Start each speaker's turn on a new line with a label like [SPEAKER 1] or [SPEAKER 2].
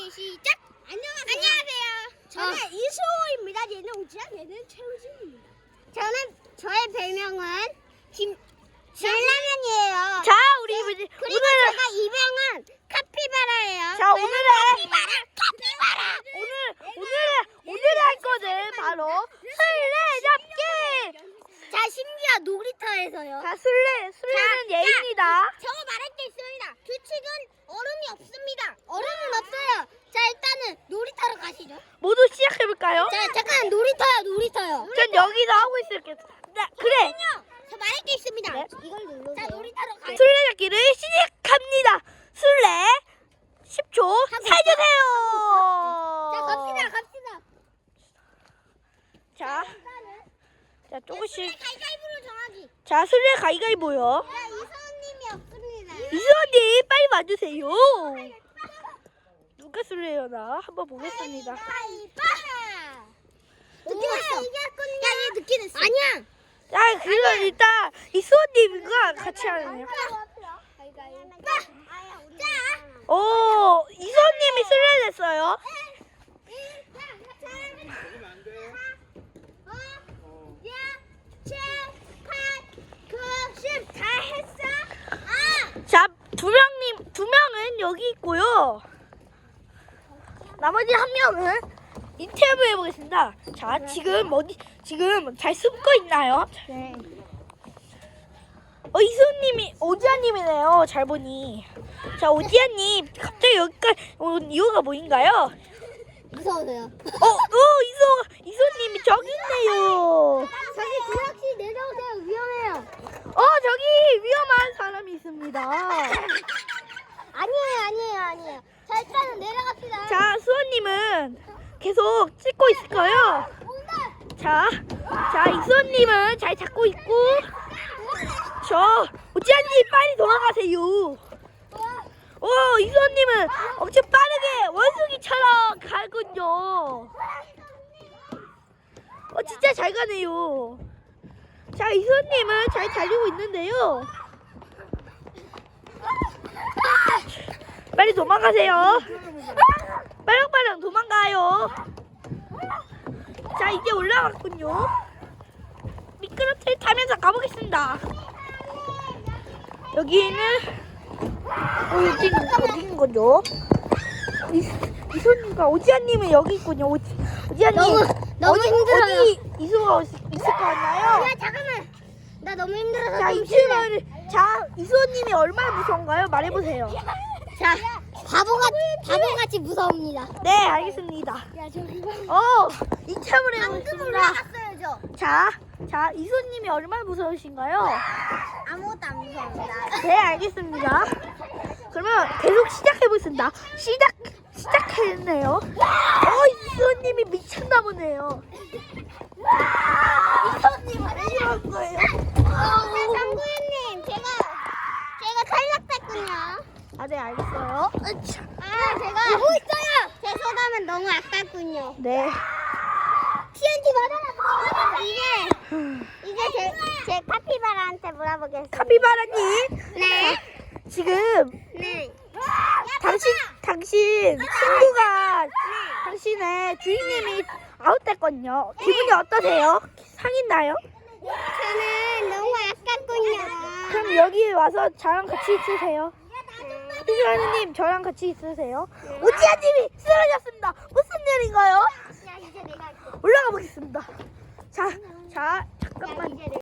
[SPEAKER 1] 시작. 안녕하세요. 저는 이수호입니다. 얘는 우지야, 얘는 최우진입니다. 저의 별명은 진라면이에요.
[SPEAKER 2] 자, 우리
[SPEAKER 1] 그리고
[SPEAKER 2] 오늘은
[SPEAKER 1] 제가 입양한 카피바라예요.
[SPEAKER 2] 자, 오늘은
[SPEAKER 1] 카피바라.
[SPEAKER 2] 오늘 할 거는 바로 술래잡기.
[SPEAKER 1] 자, 심지어 놀이터에서요.
[SPEAKER 2] 자, 술래는 예입니다.
[SPEAKER 1] 저거 말할 게 있습니다. 규칙은 얼음이 없습니다. 얼음은 없어요. 자, 일단은 놀이터로 가시죠.
[SPEAKER 2] 모두 시작해볼까요?
[SPEAKER 1] 자, 잠깐 놀이터요.
[SPEAKER 2] 전 여기서 하고 있을게요. 그래.
[SPEAKER 1] 저 말할 게 있습니다.
[SPEAKER 2] 네.
[SPEAKER 1] 이걸 눌러세요. 자, 놀이터로 가요.
[SPEAKER 2] 술래잡기를 시작합니다. 술래 10초 살려주세요.
[SPEAKER 1] 자, 갑시다.
[SPEAKER 2] 자, 조금씩.
[SPEAKER 1] 가위바위보로 정하기.
[SPEAKER 2] 자, 술래 가위가위보요.
[SPEAKER 1] 야, 이서원님이 없습니다.
[SPEAKER 2] 이수원님 빨리 와주세요. 누가 술래려나 한번 보겠습니다.
[SPEAKER 1] 가위바위보. 늦게 났어. 야, 얘 늦게 냈어. 아니야.
[SPEAKER 2] 자, 그럼 일단 이수원님과 같이 하네요.
[SPEAKER 1] 자.
[SPEAKER 2] 오, 이수원님이 술래 됐어요.
[SPEAKER 1] 10 다 했어?
[SPEAKER 2] 자, 두 명은 여기 있고요. 나머지 한 명은 인터뷰 해보겠습니다. 자, 지금 잘 숨고 있나요?
[SPEAKER 1] 네.
[SPEAKER 2] 이수님이 오지아님이네요. 잘 보니. 자, 오지아님 갑자기 여기까지 온 이유가 뭐인가요?
[SPEAKER 1] 무서워서요.
[SPEAKER 2] 이수님이 저기 있네요.
[SPEAKER 1] 저기 구역시 내려오세요. 위험해요.
[SPEAKER 2] 저기 위험한 사람이 있습니다.
[SPEAKER 1] 아니에요. 자, 일단은 내려갑시다.
[SPEAKER 2] 자, 수원님은 계속 찍고 있을까요? 자, 이수원님은 잘 잡고 있고, 오지아님 빨리 돌아가세요. 이수원님은 엄청 빠르게 원숭이처럼 가군요. 진짜 잘 가네요. 자, 이수원님은 잘 달리고 있는데요. 빨리 도망가세요. 빨랑 도망가요. 자, 이제 올라갔군요. 미끄럼틀 타면서 가보겠습니다. 여기는 여기는 어디인 거죠? 이소님과 오지아님은 여기 있군요. 오지아님
[SPEAKER 1] 너무 힘들어요.
[SPEAKER 2] 어디 이소가 있을 것 같나요?
[SPEAKER 1] 야, 잠깐만. 나 너무 힘들어서
[SPEAKER 2] 자,
[SPEAKER 1] 좀 쉴래.
[SPEAKER 2] 이소님이 얼마나 무서운가요? 말해보세요.
[SPEAKER 1] 자, 바보같이 무서웁니다.
[SPEAKER 2] 네, 알겠습니다.
[SPEAKER 1] 야, 저 이거
[SPEAKER 2] 이참을
[SPEAKER 1] 방금
[SPEAKER 2] 해보겠습니다.
[SPEAKER 1] 올라갔어요, 저.
[SPEAKER 2] 자, 이소님이 얼마나 무서우신가요?
[SPEAKER 1] 아무것도 안 무서웁니다.
[SPEAKER 2] 네, 알겠습니다. 그러면 계속 시작해보겠습니다. 시작했네요. 이수원님이 미쳤나 보네요. 이수원님 왜 이럴 거예요?
[SPEAKER 1] 장구현님, 제가 탈락했군요.
[SPEAKER 2] 네, 알겠어요.
[SPEAKER 1] 제가 보고 있어요. 제 소감은 너무 아깝군요.
[SPEAKER 2] 네.
[SPEAKER 1] TNT 맞아라. 이제 제 카피바라한테 물어보겠습니다.
[SPEAKER 2] 카피바라님.
[SPEAKER 1] 네.
[SPEAKER 2] 지금
[SPEAKER 1] 네.
[SPEAKER 2] 당신 친구가 당신의 주인님이 아웃됐거든요. 기분이 어떠세요? 상했나요?
[SPEAKER 1] 저는 너무 아깝군요.
[SPEAKER 2] 그럼 여기 와서 저랑 같이 있으세요. 피스라님 저랑 같이 있으세요. 오지아님이 쓰러졌습니다. 무슨 일인가요?
[SPEAKER 1] 야, 이제 내가 할게.
[SPEAKER 2] 올라가 보겠습니다. 자, 잠깐만.